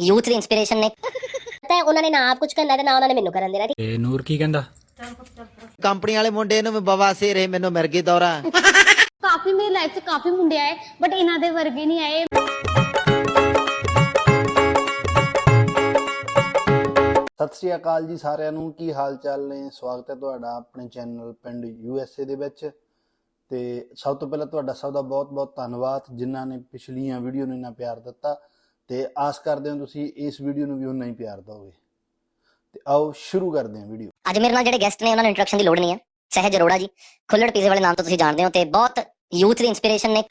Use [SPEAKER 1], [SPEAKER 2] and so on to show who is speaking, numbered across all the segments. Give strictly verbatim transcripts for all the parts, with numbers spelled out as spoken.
[SPEAKER 1] Youth ਦੀ inspiration ਨੇ ਤਾਂ ਉਹਨਾਂ ਨੇ ਨਾ ਆਪ ਕੁਝ ਕਰਨਾ ਤੇ ਨਾ ਉਹਨਾਂ ਨੇ ਮੈਨੂੰ ਕਰਨ ਦੇਣਾ।
[SPEAKER 2] ਤੇ ਨੂਰ ਕੀ ਕਹਿੰਦਾ?
[SPEAKER 3] ਕੰਪਨੀ ਵਾਲੇ ਮੁੰਡੇ ਨੂੰ ਬਵਾਸੀਰ ਹੈ, ਮੈਨੂੰ ਮਿਰਗੀ ਦੌਰਾ।
[SPEAKER 4] ਕਾਫੀ ਮੇਰੀ ਲਾਈਫ 'ਚ ਕਾਫੀ ਮੁੰਡੇ ਆਏ ਬਟ ਇਹਨਾਂ ਦੇ ਵਰਗੇ ਨਹੀਂ ਆਏ।
[SPEAKER 5] ਸਤਿ ਸ਼੍ਰੀ ਅਕਾਲ ਜੀ ਸਾਰਿਆਂ ਨੂੰ, ਕੀ ਹਾਲ ਚਾਲ ਨੇ? ਸਵਾਗਤ ਹੈ ਤੁਹਾਡਾ ਆਪਣੇ ਚੈਨਲ ਪਿੰਡ ਯੂ ਐਸ ਏ ਦੇ ਵਿੱਚ। ਤੇ ਸਭ ਤੋਂ ਪਹਿਲਾਂ ਤੁਹਾਡਾ ਸਭ ਦਾ ਬਹੁਤ ਬਹੁਤ ਧੰਨਵਾਦ ਜਿਨ੍ਹਾਂ ਨੇ ਪਿਛਲੀਆਂ ਵੀਡੀਓ ਨੂੰ ਇੰਨਾ ਪਿਆਰ ਦਿੱਤਾ ਤੇ ਆਸ ਕਰਦੇ ਹਾਂ ਤੁਸੀਂ ਇਸ ਵੀਡੀਓ ਨੂੰ ਵੀ ਉਨਾ ਹੀ ਪਿਆਰ ਦਿਓਗੇ। ਤੇ ਆਓ ਸ਼ੁਰੂ ਕਰਦੇ ਹਾਂ ਵੀਡੀਓ।
[SPEAKER 1] ਅੱਜ ਮੇਰੇ ਨਾਲ ਜਿਹੜੇ ਗੈਸਟ ਨੇ ਉਹਨਾਂ ਨੂੰ ਇੰਟਰੋਡਕਸ਼ਨ ਦੀ ਲੋੜ ਨਹੀਂ ਹੈ। ਸਹਿਜ ਅਰੋੜਾ ਜੀ ਖੁੱਲੜ ਪੀਜ਼ੇ ਵਾਲੇ ਨਾਮ ਤੋਂ ਤੁਸੀਂ ਜਾਣਦੇ ਹੋ ਤੇ ਬਹੁਤ ਯੂਥ ਦੀ ਇਨਸਪੀਰੇਸ਼ਨ ਨੇ।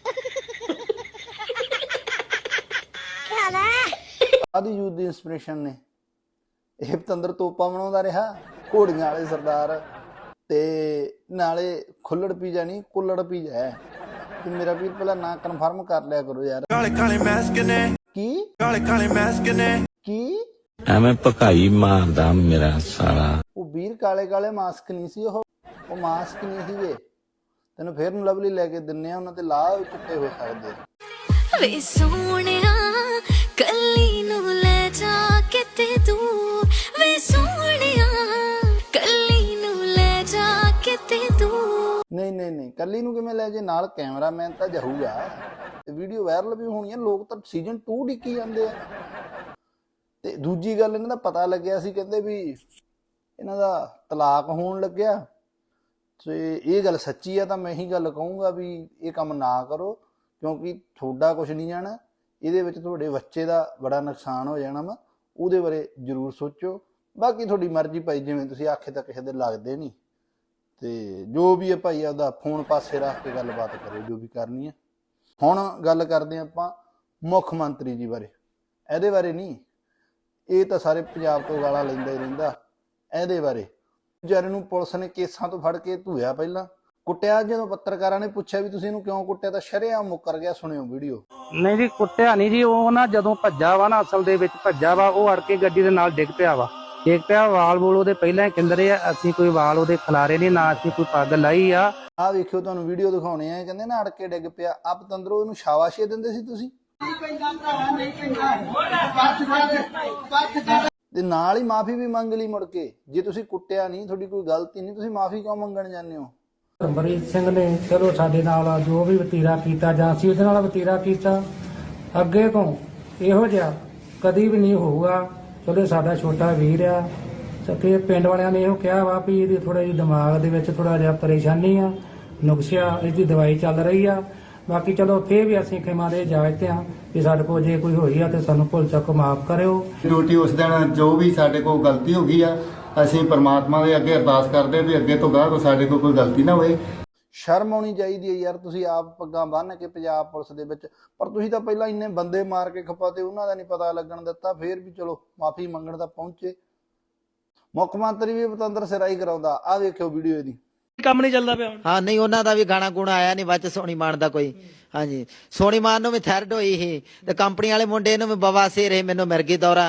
[SPEAKER 5] ਆਦੀ ਯੂਥ ਦੀ ਇਨਸਪੀਰੇਸ਼ਨ ਨੇ ਇਹ ਪਤੰਦਰ ਤੋਪਾਂ ਬਣਾਉਂਦਾ ਰਿਹਾ, ਘੋੜੀਆਂ ਵਾਲੇ ਸਰਦਾਰ ਤੇ ਨਾਲੇ ਖੁੱਲੜ ਪੀਜ਼ਾ ਨਹੀਂ ਕੁੱਲੜ ਪੀਜ਼ਾ ਹੈ। ਤੇ ਮੇਰਾ ਵੀਰ ਪਹਿਲਾਂ ਨਾਂ ਕਨਫਰਮ ਕਰ ਲਿਆ ਕਰੋ ਯਾਰ।
[SPEAKER 6] ਕਾਲੇ ਕਾਲੇ ਮੈਸਕ ਨੇ
[SPEAKER 5] ਕੀ
[SPEAKER 6] ਕਾਲੇ ਕਾਲੇ ਮੈਸਕ ਨੇ
[SPEAKER 5] ਕੀ
[SPEAKER 7] ਐਵੇਂ ਭਕਾਈ ਮਾਰਦਾ ਮੇਰਾ ਸਾਲਾ।
[SPEAKER 5] ਉਹ ਵੀਰ ਕਾਲੇ ਕਾਲੇ ਮਾਸਕ ਨਹੀਂ ਸੀ, ਉਹ ਉਹ ਮਾਸਕ ਨਹੀਂ ਸੀਗੇ। ਤੈਨੂੰ ਫੇਰ ਨੂੰ ਲਵਲੀ ਲੈ ਕੇ ਦਿੰਨੇ ਆ, ਉਹਨਾਂ ਤੇ ਲਾਹ ਚਿੱਟੇ ਹੋ ਸਕਦੇ ਆ।
[SPEAKER 8] ਵੇ ਸੋਹਣਿਆ ਕੱਲੀ ਨੂੰ ਲੈ ਜਾ ਕੇ ਤੇ ਤੂੰ, ਵੇ ਸੋਹਣਿਆ ਕੱਲੀ ਨੂੰ ਲੈ ਜਾ ਕੇ ਤੇ ਤੂੰ।
[SPEAKER 5] ਨਹੀਂ ਨਹੀਂ ਨਹੀਂ ਕੱਲੀ ਨੂੰ ਕਿਵੇਂ ਲੈ ਜੇ, ਨਾਲ ਕੈਮਰਾਮੈਨ ਤਾਂ ਜਾਊਗਾ ਤੇ ਵੀਡੀਓ ਵਾਇਰਲ ਵੀ ਹੋਣੀ ਆ। ਲੋਕ ਤਾਂ ਸੀਜ਼ਨ ਟੂ ਡਿੱਕੀ ਜਾਂਦੇ ਆ। ਤੇ ਦੂਜੀ ਗੱਲ ਇਹਨਾਂ ਦਾ ਪਤਾ ਲੱਗਿਆ ਸੀ, ਕਹਿੰਦੇ ਵੀ ਇਹਨਾਂ ਦਾ ਤਲਾਕ ਹੋਣ ਲੱਗਿਆ। ਤੇ ਇਹ ਗੱਲ ਸੱਚੀ ਆ ਤਾਂ ਮੈਂ ਇਹੀ ਗੱਲ ਕਹੂੰਗਾ ਵੀ ਇਹ ਕੰਮ ਨਾ ਕਰੋ, ਕਿਉਂਕਿ ਤੁਹਾਡਾ ਕੁਝ ਨਹੀਂ ਜਾਣਾ, ਇਹਦੇ ਵਿੱਚ ਤੁਹਾਡੇ ਬੱਚੇ ਦਾ ਬੜਾ ਨੁਕਸਾਨ ਹੋ ਜਾਣਾ ਵਾ। ਉਹਦੇ ਬਾਰੇ ਜ਼ਰੂਰ ਸੋਚੋ। ਬਾਕੀ ਤੁਹਾਡੀ ਮਰਜ਼ੀ ਭਾਈ, ਜਿਵੇਂ ਤੁਸੀਂ ਆਖੇ ਤਾਂ ਕਿਸੇ ਦੇ ਲੱਗਦੇ ਨਹੀਂ। ਤੇ ਜੋ ਵੀ ਹੈ ਭਾਈ ਆਪਦਾ ਫੋਨ ਪਾਸੇ ਰੱਖ ਕੇ ਗੱਲਬਾਤ ਕਰੋ ਜੋ ਵੀ ਕਰਨੀ ਹੈ। ਹੁਣ ਗੱਲ ਕਰਦੇ ਹਾਂ ਆਪਾਂ ਮੁੱਖ ਮੰਤਰੀ ਜੀ ਬਾਰੇ। ਇਹਦੇ ਬਾਰੇ ਨਹੀਂ, ਇਹ ਤਾਂ ਸਾਰੇ ਪੰਜਾਬ ਤੋਂ ਗਾਲਾਂ ਲੈਂਦਾ ਹੀ ਰਹਿੰਦਾ। ਇਹਦੇ ਬਾਰੇ ਵਿਚਾਰੇ ਨੂੰ ਪੁਲਿਸ ਨੇ ਕੇਸਾਂ ਤੋਂ ਫੜ ਕੇ ਧੂਇਆ, ਪਹਿਲਾਂ ਕੁੱਟਿਆ। ਜਦੋਂ ਪੱਤਰਕਾਰਾਂ ਨੇ ਪੁੱਛਿਆ ਵੀ ਤੁਸੀਂ ਇਹਨੂੰ ਕਿਉਂ ਕੁੱਟਿਆ ਤਾਂ ਸ਼ਰੇਆਮ ਮੁੱਕਰ ਗਿਆ। ਸੁਣਿਓ ਵੀਡੀਓ।
[SPEAKER 9] ਨਹੀਂ ਜੀ ਕੁੱਟਿਆ ਨਹੀਂ ਜੀ, ਉਹ ਨਾ ਜਦੋਂ ਭੱਜਾ ਵਾ ਨਾ, ਅਸਲ ਦੇ ਵਿੱਚ ਭੱਜਾ ਵਾ, ਉਹ ਅੜ ਕੇ ਗੱਡੀ ਦੇ ਨਾਲ ਡਿੱਗ ਪਿਆ ਵਾ। ਡਿੱਗ ਪਿਆ, ਵਾਲ ਵੂਲ ਉਹਦੇ ਪਹਿਲਾਂ ਹੀ ਕਿੰਦਰੇ ਆ। ਅਸੀਂ ਕੋਈ ਵਾਲ ਉਹਦੇ ਖਿਲਾਰੇ ਨਹੀਂ, ਨਾ ਅਸੀਂ ਕੋਈ ਪੱਗ ਲਾਈ ਆ।
[SPEAKER 5] ਆਹ ਵੇਖਿਓ, ਤੁਹਾਨੂੰ ਵੀਡੀਓ ਦਿਖਾਉਣੇ ਆ। ਕਹਿੰਦੇ ਨਾ ਅੜ ਕੇ ਡਿੱਗ ਪਿਆ। ਆ ਪਤੰਦਰੋਂ ਇਹਨੂੰ ਸ਼ਾਬਾਸ਼ੀ ਦਿੰਦੇ ਸੀ ਤੁਸੀਂ, ਤੇ ਨਾਲ ਹੀ ਮਾਫੀ ਵੀ ਮੰਗ ਲਈ ਮੁੜ ਕੇ। ਜੇ ਤੁਸੀਂ ਕੁੱਟਿਆ ਨਹੀਂ, ਤੁਹਾਡੀ ਕੋਈ ਗਲਤੀ ਨਹੀਂ, ਤੁਸੀਂ ਮਾਫੀ ਕਿਉਂ ਮੰਗਣ ਜਾਂਦੇ ਹੋ?
[SPEAKER 9] ਅਮਰੀਤ ਸਿੰਘ ਨੇ ਚਲੋ ਸਾਡੇ ਨਾਲ ਜੋ ਵੀ ਵਤੀਰਾ ਕੀਤਾ ਜਾਂ ਅਸੀਂ ਉਹਦੇ ਨਾਲ ਵਤੀਰਾ ਕੀਤਾ, ਅੱਗੇ ਤੋਂ ਇਹੋ ਜਿਹਾ ਕਦੀ ਵੀ ਨਹੀਂ ਹੋਊਗਾ। ਚਲੋ ਸਾਡਾ ਛੋਟਾ ਵੀਰ ਆ ਤੇ ਪਿੰਡ ਵਾਲਿਆਂ ਨੇ ਇਹੋ ਕਿਹਾ ਵਾ ਵੀ ਇਹਦੀ ਥੋੜਾ ਜਿਹੀ ਦਿਮਾਗ ਦੇ ਵਿੱਚ ਥੋੜਾ ਜਿਹਾ ਪਰੇਸ਼ਾਨੀ ਆ, ਨੁਕਸਿਆ, ਇਹਦੀ ਦਵਾਈ ਚੱਲ ਰਹੀ ਆ। ਬਾਕੀ ਚਲੋ ਫੇਰ ਵੀ ਅਸੀਂ ਖਿਮਾ ਦੇ ਇਜਾਜ਼ਤ ਆ ਕਿ ਸਾਡੇ ਕੋਲ ਜੇ ਕੋਈ ਹੋਈ ਆ ਤੇ ਸਾਨੂੰ ਭੁੱਲ ਚੁੱਕ ਮਾਫ ਕਰਿਓ।
[SPEAKER 10] ਡਿਊਟੀ ਉਸ ਦਿਨ ਜੋ ਵੀ ਸਾਡੇ ਕੋਲ ਗਲਤੀ ਹੋ ਗਈ ਆ, ਅਸੀਂ ਪਰਮਾਤਮਾ ਦੇ ਅੱਗੇ ਅਰਦਾਸ ਕਰਦੇ ਵੀ ਅੱਗੇ ਤੋਂ ਗਾਹ ਸਾਡੇ ਕੋਲ ਕੋਈ ਗਲਤੀ ਨਾ ਹੋਵੇ।
[SPEAKER 5] ਸ਼ਰਮ ਆਉਣੀ ਚਾਹੀਦੀ ਹੈ ਯਾਰ। ਤੁਸੀਂ ਆਪ ਪੱਗਾਂ ਬੰਨ੍ਹ ਕੇ ਪੰਜਾਬ ਪੁਲਿਸ ਦੇ ਵਿੱਚ, ਪਰ ਤੁਸੀਂ ਤਾਂ ਪਹਿਲਾਂ ਇੰਨੇ ਬੰਦੇ ਮਾਰ ਕੇ ਖਪਾ ਤੇ ਉਹਨਾਂ ਦਾ ਨਹੀਂ ਪਤਾ ਲੱਗਣ ਦਿੱਤਾ। ਫੇਰ ਵੀ ਚਲੋ ਮਾਫੀ ਮੰਗਣ ਤਾਂ ਪਹੁੰਚੇ। ਮੁੱਖ ਮੰਤਰੀ ਵੀ ਪਤੰਦਰ ਸਿਰਾਈ ਕਰਾਉਂਦਾ। ਆਹ ਵੇਖਿਓ ਵੀਡੀਓ ਇਹਦੀ।
[SPEAKER 2] ਕੰਮ ਨਹੀਂ ਚੱਲਦਾ ਪਿਆ।
[SPEAKER 3] ਹਾਂ ਨਹੀਂ, ਉਹਨਾਂ ਦਾ ਵੀ ਗਾਣਾ ਗੁਣਾ ਆਇਆ ਨਹੀਂ ਵਿੱਚ ਸੋਨੀ ਮਾਨ ਦਾ ਕੋਈ। ਹਾਂਜੀ, ਸੋਨੀ ਮਾਨ ਨੂੰ ਵੀ ਥਾਇਰਡ ਹੋਈ ਸੀ ਤੇ ਕੰਪਨੀ ਵਾਲੇ ਮੁੰਡੇ ਨੂੰ ਵੀ ਬਵਾਸੀਰ ਹੈ, ਮੈਨੂੰ ਮਿਰਗੀ ਦੌਰਾ।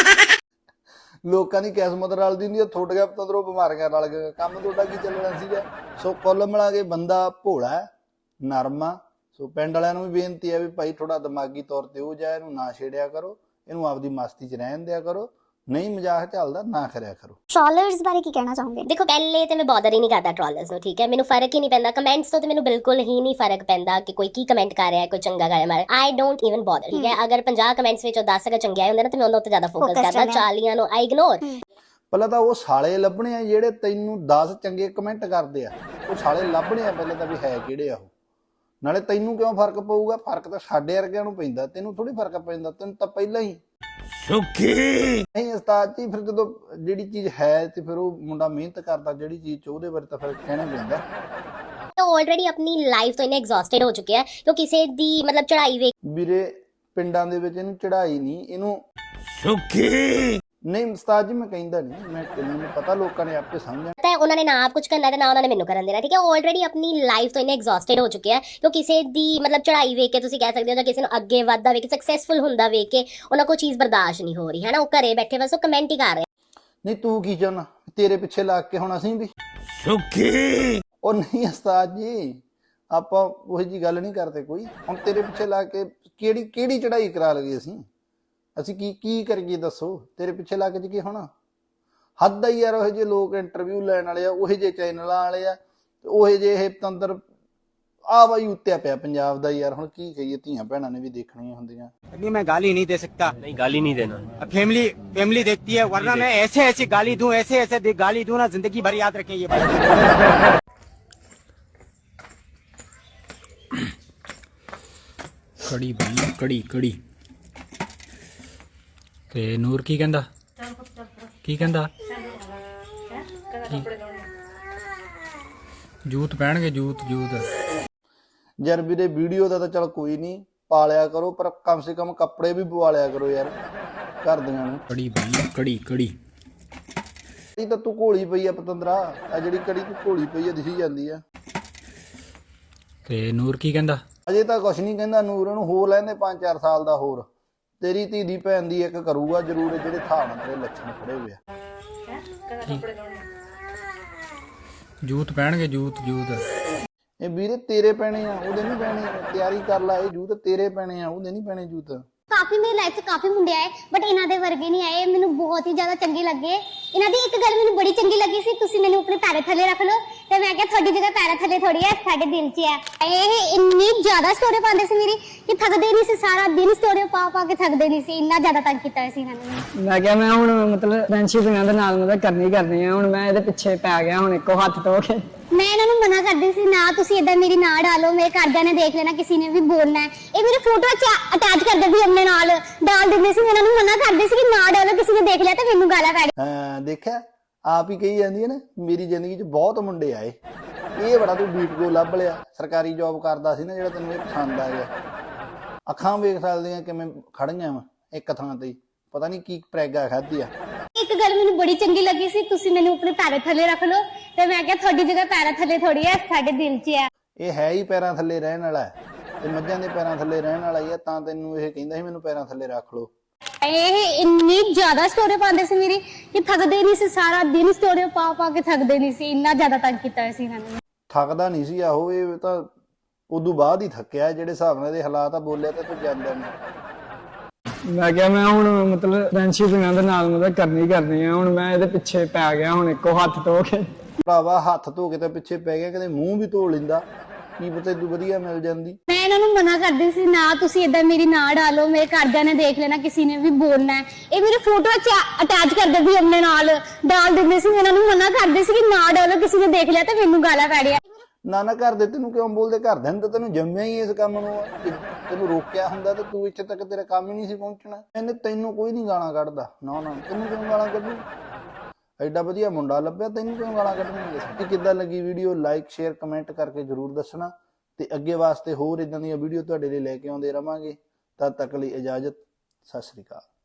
[SPEAKER 5] ਲੋਕਾਂ ਦੀ ਕਿਸਮਤ ਰਲਦੀ ਹੁੰਦੀ ਆ, ਥੁੱਟ ਗਿਆ ਪਤੰਦਰੋਂ, ਬਿਮਾਰੀਆਂ ਰਲ ਗਏ। ਕੰਮ ਤੁਹਾਡਾ ਕੀ ਚੱਲਣਾ ਸੀਗਾ? ਸੋ ਕੁੱਲ ਮਿਲਾ ਕੇ ਬੰਦਾ ਭੋਲਾ ਨਰਮ ਆ। ਸੋ ਪਿੰਡ ਵਾਲਿਆਂ ਨੂੰ ਵੀ ਬੇਨਤੀ ਹੈ ਵੀ ਭਾਈ ਥੋੜਾ ਦਿਮਾਗੀ ਤੌਰ ਤੇ ਉਹ ਜਾ, ਇਹਨੂੰ ਨਾ ਛੇੜਿਆ ਕਰੋ, ਇਹਨੂੰ ਆਪਦੀ ਮਸਤੀ 'ਚ ਰਹਿਣ ਦਿਆ ਕਰੋ। ਨਹੀਂ ਮਜ਼ਾਕ ਚੱਲਦਾ ਨਾ ਕਰਿਆ ਕਰੋ।
[SPEAKER 4] ਟ੍ਰੋਲਰਸ ਬਾਰੇ ਕੀ ਕਹਿਣਾ ਚਾਹੋਗੇ?
[SPEAKER 1] ਦੇਖੋ ਪਹਿਲੇ ਤੇ ਮੈਂ ਬੋਦਰ ਹੀ ਨਹੀਂ ਕਰਦਾ ਟ੍ਰੋਲਰਸ ਨੂੰ, ਠੀਕ ਹੈ। ਮੈਨੂੰ ਫਰਕ ਹੀ ਨਹੀਂ ਪੈਂਦਾ ਕਮੈਂਟਸ ਤੋਂ, ਤੇ ਮੈਨੂੰ ਬਿਲਕੁਲ ਹੀ ਨਹੀਂ ਫਰਕ ਪੈਂਦਾ ਕਿ ਕੋਈ ਕੀ ਕਮੈਂਟ ਕਰ ਰਿਹਾ ਹੈ, ਕੋਈ ਚੰਗਾ ਕਰ ਰਿਹਾ ਹੈ। ਆਈ ਡੋਂਟ ਇਵਨ ਬੋਦਰ, ਠੀਕ ਹੈ। ਅਗਰ ਪੰਜਾਹ ਕਮੈਂਟਸ ਵਿੱਚੋਂ ਦਸ ਅਗਰ ਚੰਗੇ ਆਏ ਹੁੰਦੇ ਨਾ ਤੇ ਮੈਂ ਉਹਨਾਂ ਉੱਤੇ ਜ਼ਿਆਦਾ ਫੋਕਸ ਕਰਦਾ, ਚਾਲੀਆਂ ਨੂੰ ਆਈ ਇਗਨੋਰ।
[SPEAKER 5] ਪਹਿਲਾਂ ਤਾਂ ਉਹ ਸਾਲੇ ਲੱਭਣੇ ਆ ਜਿਹੜੇ ਤੈਨੂੰ ਦਸ ਚੰਗੇ ਕਮੈਂਟ ਕਰਦੇ ਆ। ਉਹ ਸਾਲੇ ਲੱਭਣੇ ਆ ਪਹਿਲਾਂ ਤਾਂ ਵੀ ਹੈ ਕਿਹੜੇ ਆ ਉਹ। ਨਾਲੇ ਤੈਨੂੰ ਕਿਉਂ ਫਰਕ ਪਊਗਾ? ਫਰਕ ਤਾਂ ਸਾਡੇ ਵਰਗਿਆਂ ਨੂੰ ਪੈਂਦਾ, ਤੈਨੂੰ ਥੋੜੀ ਫਰਕ ਪੈਂਦਾ। ਤੈਨੂੰ ਤਾਂ ਪਹਿਲਾਂ ਹੀ
[SPEAKER 7] ਸੁਖੀ
[SPEAKER 5] ਨਹੀਂ ਉਸਤਾਦ ਜੀ। ਫਿਰ ਜਦੋਂ ਜਿਹੜੀ ਚੀਜ਼ ਹੈ ਤੇ ਫਿਰ ਉਹ ਮੁੰਡਾ ਮਿਹਨਤ ਕਰਦਾ ਜਿਹੜੀ ਚੀਜ਼ 'ਚ, ਉਹਦੇ ਬਾਰੇ ਤਾਂ ਫਿਰ ਕਹਿਣਾ ਪੈਂਦਾ।
[SPEAKER 1] ਉਹ ਆਲਰੇਡੀ ਆਪਣੀ ਲਾਈਫ ਤੋਂ ਇੰਨੇ ਐਗਜ਼ੌਸਟਡ ਹੋ ਚੁੱਕੇ ਆ ਕਿ ਕਿਸੇ ਦੀ ਮਤਲਬ ਚੜਾਈ ਵੇਖ।
[SPEAKER 5] ਵੀਰੇ ਪਿੰਡਾਂ ਦੇ ਵਿੱਚ ਇਹਨੂੰ ਚੜਾਈ ਨਹੀਂ, ਇਹਨੂੰ
[SPEAKER 7] ਸੁਖੀ
[SPEAKER 5] ਨਹੀਂ ਉਸਤਾਦ ਜੀ ਮੈਂ ਕਹਿੰਦਾ ਨਹੀਂ, ਮੈਂ ਮੈਨੂੰ ਪਤਾ ਲੋਕਾਂ ਨੇ ਆਪੇ ਸਮਝਣਾ।
[SPEAKER 1] ਤਾਂ ਉਹਨਾਂ ਨੇ ਨਾ ਆਪ ਕੁਝ ਕਰਨਾ ਤੇ ਨਾ ਉਹਨਾਂ ਨੇ ਮੈਨੂੰ ਕਰਨ ਦੇਣਾ, ਠੀਕ ਹੈ। ਉਹ ਆਲਰੇਡੀ ਆਪਣੀ ਲਾਈਫ ਤੋਂ ਇੰਨੇ ਐਗਜ਼ੌਸਟਡ ਹੋ ਚੁੱਕੇ ਆ ਕਿ ਕਿਸੇ ਦੀ ਮਤਲਬ ਚੜਾਈ ਵੇਖ ਕੇ ਤੁਸੀਂ ਕਹਿ ਸਕਦੇ ਹੋ, ਜਾਂ ਕਿਸੇ ਨੂੰ ਅੱਗੇ ਵੱਧਦਾ ਵੇਖ ਕੇ, ਸਕਸੈਸਫੁਲ ਹੁੰਦਾ ਵੇਖ ਕੇ ਉਹਨਾਂ ਕੋਲ ਚੀਜ਼ ਬਰਦਾਸ਼ਤ ਨਹੀਂ ਹੋ ਰਹੀ ਹੈ ਨਾ। ਉਹ ਘਰੇ ਬੈਠੇ ਬਸ ਉਹ ਕਮੈਂਟ ਹੀ ਕਰ ਰਹੇ।
[SPEAKER 5] ਨਹੀਂ ਤੂੰ ਕੀ ਚਾਹੁੰਦਾ? ਤੇਰੇ ਪਿੱਛੇ ਲੱਗ ਕੇ ਹੁਣ ਅਸੀਂ ਵੀ
[SPEAKER 7] ਸੁਖੀ।
[SPEAKER 5] ਉਹ ਨਹੀਂ ਉਸਤਾਦ ਜੀ, ਆਪਾਂ ਉਹੀ ਜੀ ਗੱਲ ਨਹੀਂ ਕਰਦੇ ਕੋਈ। ਹੁਣ ਤੇਰੇ ਪਿੱਛੇ ਲੱਗ ਕੇ ਕਿਹੜੀ ਕਿਹੜੀ ਚੜਾਈ ਕਰਾ ਲਈਏ ਅਸੀਂ? ਅਸੀਂ ਕੀ ਕੀ ਕਰੀਏ ਦੱਸੋ, ਤੇਰੇ ਪਿੱਛੇ ਲੱਗ ਜੀ ਕੀ ਹੋਣਾ। ਹੱਦ ਆ ਯਾਰ, ਉਹ ਜਿਹੇ ਲੋਕ ਇੰਟਰਵਿਊ ਲੈਣ ਵਾਲੇ ਆ, ਉਹੇ ਜਿਹੇ ਚੈਨਲਾਂ ਵਾਲੇ ਆ, ਤੇ ਉਹੇ ਜਿਹੇ ਇਹ ਪਤੰਦਰ ਆ ਬਾਈ ਉੱਤਿਆ ਪਿਆ ਪੰਜਾਬ ਦਾ ਯਾਰ। ਹੁਣ ਕੀ ਕਹੀਏ, ਧੀਆਂ ਭੈਣਾਂ ਨੇ ਵੀ ਦੇਖਣੀਆਂ ਹੁੰਦੀਆਂ।
[SPEAKER 11] नहीं मैं गाली नहीं दे सकता।
[SPEAKER 2] नहीं गाली नहीं देना।
[SPEAKER 11] फैमिली फैमिली देखती है, वरना मैं ऐसे ऐसे गाली दूं, ऐसे ऐसे दे- गाली दूं ना, जिंदगी भर याद रखें ये बात।
[SPEAKER 2] ਕੜੀ ਬਈ ਕੜੀ ਕੜੀ। ਤੇ ਨੂਰ ਕੀ ਕਹਿੰਦਾ? ਕੀ ਕਹਿੰਦਾ? ਕੀ? ਜੂਤ ਪਹਿਣਗੇ, ਜੂਤ ਜੂਤ।
[SPEAKER 5] ਯਾਰ ਵੀਰੇ ਵੀਡੀਓ ਦਾ ਤਾਂ ਚਲ ਕੋਈ ਨਹੀਂ, ਪਾਲਿਆ ਕਰੋ, ਪਰ ਕਮ ਸੇ ਕਮ ਕੱਪੜੇ ਵੀ ਪਵਾ ਲਿਆ ਕਰੋ ਯਾਰ ਘਰਦਿਆਂ ਨੂੰ।
[SPEAKER 2] ਕੜੀ ਬਈ ਕੜੀ ਕੜੀ।
[SPEAKER 5] ਇਹ ਤਾਂ ਤੂੰ ਘੋਲੀ ਪਈ ਆ ਪਤੰਦਰਾ, ਆ ਜਿਹੜੀ ਕੜੀ ਤੂੰ ਘੋਲੀ ਪਈ ਆ ਦਿਸੀ ਜਾਂਦੀ ਆ।
[SPEAKER 2] ਤੇ ਨੂਰ ਕੀ ਕਹਿੰਦਾ?
[SPEAKER 5] ਅਜੇ ਤਾਂ ਕੁਛ ਨਹੀਂ ਕਹਿੰਦਾ ਨੂਰ, ਨੂੰ ਹੋ ਲੈਂਦੇ ਪੰਜ ਚਾਰ ਸਾਲ ਦਾ ਹੋਰ। ਤੇਰੀ ਧੀ ਦੀ ਭੈਣ ਦੀ ਇੱਕ ਕਰੂਗਾ ਜ਼ਰੂਰ, ਜਿਹੜੇ ਥਾਂ ਨਾਲ ਤੇਰੇ ਲੱਛਣ ਖੜੇ ਹੋਏ ਆ।
[SPEAKER 2] ਜੂਤ ਪਹਿਣਗੇ, ਜੂਤ ਜੂਤ।
[SPEAKER 5] ਇਹ ਵੀਰੇ ਤੇਰੇ ਪੈਣੇ ਆ, ਉਹਦੇ ਨਹੀਂ ਪੈਣੇ। ਤਿਆਰੀ ਕਰ ਲਾ, ਇਹ ਜੂਤ ਤੇਰੇ ਪੈਣੇ ਆ, ਉਹਦੇ ਨਹੀਂ ਪੈਣੇ ਜੂਤ।
[SPEAKER 4] ਕਾਫੀ ਮੇਰੀ ਲਾਈਫ 'ਚ ਕਾਫੀ ਮੁੰਡੇ ਆਏ ਬਟ ਇਹਨਾਂ ਦੇ ਵਰਗੇ ਨਹੀਂ ਆਏ। ਮੈਨੂੰ ਬਹੁਤ ਹੀ ਜ਼ਿਆਦਾ ਚੰਗੇ ਲੱਗੇ। ਇਹਨਾਂ ਦੀ ਇੱਕ ਗੱਲ ਮੈਨੂੰ ਬੜੀ ਚੰਗੀ ਲੱਗੀ ਸੀ, ਤੁਸੀਂ ਮੈਨੂੰ ਆਪਣੇ ਪੈਰਾਂ ਥੱਲੇ ਰੱਖ ਲਓ। ਤੇ ਮੈਂ ਕਿਹਾ ਤੁਹਾਡੀ ਜਗ੍ਹਾ ਪੈਰਾਂ ਥੱਲੇ ਥੋੜੀ ਹੈ, ਸਾਡੇ ਦਿਲ 'ਚ ਹੈ। ਇਹ ਇੰਨੀ ਜ਼ਿਆਦਾ ਸਟੋਰੀ ਪਾਉਂਦੇ ਸੀ ਮੇਰੀ ਕਿ ਥੱਕਦੇ ਨਹੀਂ ਸੀ, ਸਾਰਾ ਦਿਨ ਸਟੋਰੀ ਪਾ ਪਾ ਕੇ ਥੱਕਦੇ ਨਹੀਂ ਸੀ। ਇੰਨਾ ਜ਼ਿਆਦਾ ਤੰਗ ਕੀਤਾ ਸੀ ਇਹਨਾਂ ਨੇ।
[SPEAKER 11] ਮੈਂ ਕਿਹਾ ਮੈਂ ਹੁਣ ਮਤਲਬ ਫਰੈਂਡਸ਼ਿਪ ਇਹਨਾਂ ਦੇ ਨਾਲ ਮਤਲਬ ਕਰਨੀ ਕਰਨੀ ਹੈ। ਹੁਣ ਮੈਂ ਇਹਦੇ ਪਿੱਛੇ ਪੈ ਗਿਆ, ਹੁਣ ਇੱਕੋ ਹੱਥ ਧੋ ਕੇ।
[SPEAKER 4] ਮੈਂ ਇਹਨਾਂ ਨੂੰ ਮਨਾ ਕਰਦੀ ਸੀ, ਨਾ ਤੁਸੀਂ ਏਦਾਂ ਮੇਰੀ ਨਾ ਡਾਲੋ, ਮੇਰੇ ਘਰਦਿਆਂ ਨੇ ਦੇਖ ਲੈਣਾ, ਕਿਸੇ ਨੇ ਵੀ ਬੋਲਣਾ ਹੈ। ਇਹ ਮੇਰੀ ਫੋਟੋ ਅਟੈਚ ਕਰਦੇ ਸੀ ਆਪਣੇ ਨਾਲ, ਡਾਲ ਦਿੰਦੇ ਸੀ। ਇਹਨਾਂ ਨੂੰ ਮਨਾ ਕਰਦੇ ਸੀ ਕਿ ਨਾ ਡਾਲੋ, ਕਿਸੇ ਨੇ ਦੇਖ ਲਿਆ ਤਾਂ ਮੈਨੂੰ ਗਾਲਾਂ ਕੱਢ।
[SPEAKER 5] ਹਾਂ ਦੇਖਿਆ, ਆਪ ਹੀ ਕਹੀ ਜਾਂਦੀ ਹੈ ਨਾ, ਮੇਰੀ ਜ਼ਿੰਦਗੀ 'ਚ ਬਹੁਤ ਮੁੰਡੇ ਆਏ। ਇਹ ਬੜਾ ਤੂੰ ਬੀਟ ਕੋ ਲੱਭ ਲਿਆ, ਸਰਕਾਰੀ ਜੌਬ ਕਰਦਾ ਸੀ ਨਾ ਜਿਹੜਾ, ਤੈਨੂੰ ਇਹ ਪਸੰਦ ਆ ਗਿਆ। ਅੱਖਾਂ ਵੇਖ ਸਕਦੀਆਂ ਕਿਵੇਂ ਖੜੀਆਂ ਵਾ ਇੱਕ ਥਾਂ ਤੇ, ਪਤਾ ਨਹੀਂ ਕੀ ਪ੍ਰੈਗਾ ਖਾਧੀ ਆ।
[SPEAKER 4] ਇੱਕ ਗੱਲ ਮੈਨੂੰ ਬੜੀ ਚੰਗੀ ਲੱਗੀ ਸੀ, ਤੁਸੀਂ ਮੈਨੂੰ ਆਪਣੇ ਪੈਰਾਂ ਥੱਲੇ ਰੱਖ ਲਓ। ਤੇ ਮੈਂ ਕਿਹਾ ਤੁਹਾਡੀ ਜਗ੍ਹਾ ਪੈਰਾਂ ਥੱਲੇ ਥੋੜੀ ਹੈ, ਸਾਡੇ ਦਿਲ 'ਚ ਹੈ।
[SPEAKER 5] ਇਹ ਹੈ ਹੀ ਪੈਰਾਂ ਥੱਲੇ ਰਹਿਣ ਵਾਲਾ ਹੈ, ਤੇ ਮੱਝਾਂ ਦੇ ਪੈਰਾਂ ਥੱਲੇ ਰਹਿਣ ਵਾਲਾ ਹੀ ਆ, ਤਾਂ ਤੈਨੂੰ ਇਹ ਕਹਿੰਦਾ ਸੀ ਮੈਨੂੰ ਪੈਰਾਂ ਥੱਲੇ ਰੱਖ ਲਓ।
[SPEAKER 4] ਇਹ ਇੰਨੀ ਜ਼ਿਆਦਾ ਸਟੋਰੀ ਪਾਉਂਦੇ ਸੀ ਮੇਰੀ ਕਿ ਥੱਕਦੇ ਨਹੀਂ ਸੀ, ਸਾਰਾ ਦਿਨ ਸਟੋਰੀ ਪਾ ਪਾ ਕੇ ਥੱਕਦੇ ਨਹੀਂ ਸੀ। ਇੰਨਾ ਜ਼ਿਆਦਾ ਤੰਗ ਕੀਤਾ ਸੀ ਇਹਨਾਂ ਨੇ।
[SPEAKER 5] ਥੱਕਦਾ ਨਹੀਂ ਸੀ ਆਹੋ, ਇਹ ਤਾਂ ਉਦੋਂ ਬਾਅਦ ਹੀ ਥੱਕਿਆ, ਜਿਹੜੇ ਹਿਸਾਬ ਨਾਲ ਇਹਦੇ ਹਾਲਾਤ ਆ ਬੋਲਿਆ ਤਾਂ ਤੂੰ ਜਾਂਦਾ ਨਹੀਂ।
[SPEAKER 11] ਮੈਂ ਕਿਹਾ ਮੈਂ ਹੁਣ ਮਤਲਬ ਫਰੈਂਡਸ਼ਿਪ ਇਹਨਾਂ ਦੇ ਨਾਲ ਮਤਲਬ ਕਰਨੀ ਕਰਨੀ ਹੈ। ਹੁਣ ਮੈਂ ਇਹਦੇ ਪਿੱਛੇ ਪੈ ਗਿਆ, ਹੁਣ ਇੱਕੋ ਹੱਥ ਧੋ ਕੇ।
[SPEAKER 5] ਭਰਾਵਾ ਹੱਥ ਧੋ ਕੇ ਤਾਂ ਪਿੱਛੇ ਪੈ ਗਿਆ, ਕਦੇ ਮੂੰਹ ਵੀ ਧੋ ਲੈਂਦਾ, ਕੀ ਪਤਾ ਤੂੰ ਵਧੀਆ ਮਿਲ ਜਾਂਦੀ।
[SPEAKER 4] ਮੈਂ ਇਹਨਾਂ ਨੂੰ ਮਨਾ ਕਰਦੀ ਸੀ, ਨਾ ਤੁਸੀਂ ਏਦਾਂ ਮੇਰੀ ਨਾ ਡਾਲੋ, ਮੇਰੇ ਘਰਦਿਆਂ ਨੇ ਦੇਖ ਲੈਣਾ, ਕਿਸੇ ਨੇ ਵੀ ਬੋਲਣਾ ਹੈ। ਇਹ ਮੇਰੀ ਫੋਟੋ ਅਟੈਚ ਕਰਦੇ ਸੀ ਆਪਣੇ ਨਾਲ, ਡਾਲ ਦਿੰਦੇ ਸੀ। ਇਹਨਾਂ ਨੂੰ ਮਨਾ ਕਰਦੇ ਸੀ ਕਿ ਨਾ ਡਾਲੋ, ਕਿਸੇ ਨੇ ਦੇਖ ਲਿਆ ਤਾਂ ਮੈਨੂੰ ਗਾਲਾਂ ਕੱਢਿਆ।
[SPEAKER 5] ਨਾ ਨਾ ਕਰਦੇ, ਤੈਨੂੰ ਕਿਉਂ ਬੋਲਦੇ? ਘਰਦਿਆਂ ਨੇ ਤਾਂ ਤੈਨੂੰ ਜੰਮਿਆ ਹੀ ਇਸ ਕੰਮ ਨੂੰ ਆ। ਕਿ ਤੈਨੂੰ ਰੋਕਿਆ ਹੁੰਦਾ ਤਾਂ ਤੂੰ ਇੱਥੇ ਤੱਕ ਤੇਰਾ ਕੰਮ ਹੀ ਨਹੀਂ ਸੀ ਪਹੁੰਚਣਾ। ਇਹਨੇ ਤੈਨੂੰ ਕੋਈ ਨਹੀਂ ਗਾਲਾਂ ਕੱਢਦਾ, ਨਾ ਨਾ ਤੈਨੂੰ ਕਿਉਂ ਗਾਲਾਂ ਕੱਢੂ? ਐਡਾ ਵਧੀਆ ਮੁੰਡਾ ਲੱਭਿਆ, ਤੈਨੂੰ ਕਿਉਂ ਗਾਲਾਂ ਕੱਢਣਗੇ? ਕਿੱਦਾਂ ਲੱਗੀ ਵੀਡੀਓ? ਲਾਈਕ ਸ਼ੇਅਰ ਕਮੈਂਟ ਕਰਕੇ ਜ਼ਰੂਰ ਦੱਸਣਾ, ਤੇ ਅੱਗੇ ਵਾਸਤੇ ਹੋਰ ਇਦਾਂ ਦੀਆਂ ਵੀਡੀਓ ਤੁਹਾਡੇ ਲਈ ਲੈ ਕੇ ਆਉਂਦੇ ਰਵਾਂਗੇ। ਤਦ ਤੱਕ ਲਈ ਇਜਾਜ਼ਤ, ਸਤਿ ਸ੍ਰੀ ਅਕਾਲ।